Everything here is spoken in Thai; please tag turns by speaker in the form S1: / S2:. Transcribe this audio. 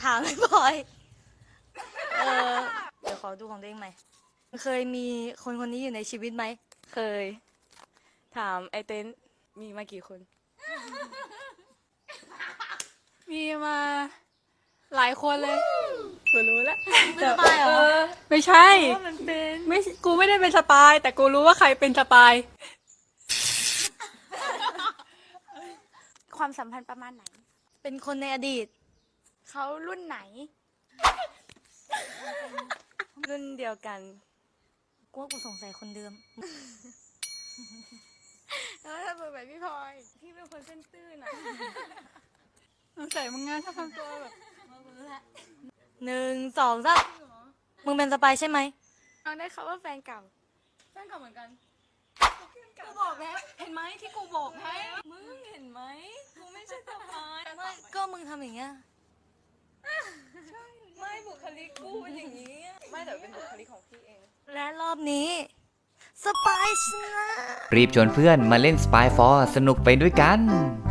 S1: ามไม่พลอยเดี๋ยวขอดูของตัวเองใหม่เคยมีคนคนนี้อยู่ในชีวิตไหม
S2: เคย ถามไอเต้นมีมากี่คน มีมาหลายคนเลยกูรู้แล้ว
S1: เป็นสปายเหรอ
S2: ไม่ใช่
S1: มันเป็น
S2: ไม่กูไม่ได้เป็นสปาย แต่กูรู้ว่าใครเป็นสปาย
S3: ความสัมพันธ์ประมาณไหน
S1: เป็นคนในอดีต
S3: เขารุ่นไหน
S2: รุ่นเดียวกัน
S1: กูว่ากูสงสัยคนเดิม
S3: แล้วถ้าเป็นแบบพี่พลอยพี่เป็นคนเส้นตื้นอ่ะ
S2: สงสัยมึงงานถ้าทำตัวแบบ
S1: 1 2 3มึงเป็นสปายใช่ไหม
S3: เอาได้เขาว่าแฟนเก่า
S2: แฟนเก่าเหมือนกัน กูบอกแล้วเห็นไหมที่กูบอกให้มึงเห็นไหมกูไม่ใช่สปาย
S1: ไม่ก็มึงทำอย่างเงี้ย
S2: ไม่บุคลิกกูเป็นอย่างนี้ ไม่แต่เป็นบุคลิกของพี่เอง
S1: และรอบนี้สปายชนะ
S4: รีบชวนเพื่อนมาเล่น Spy 4 สนุกไปด้วยกัน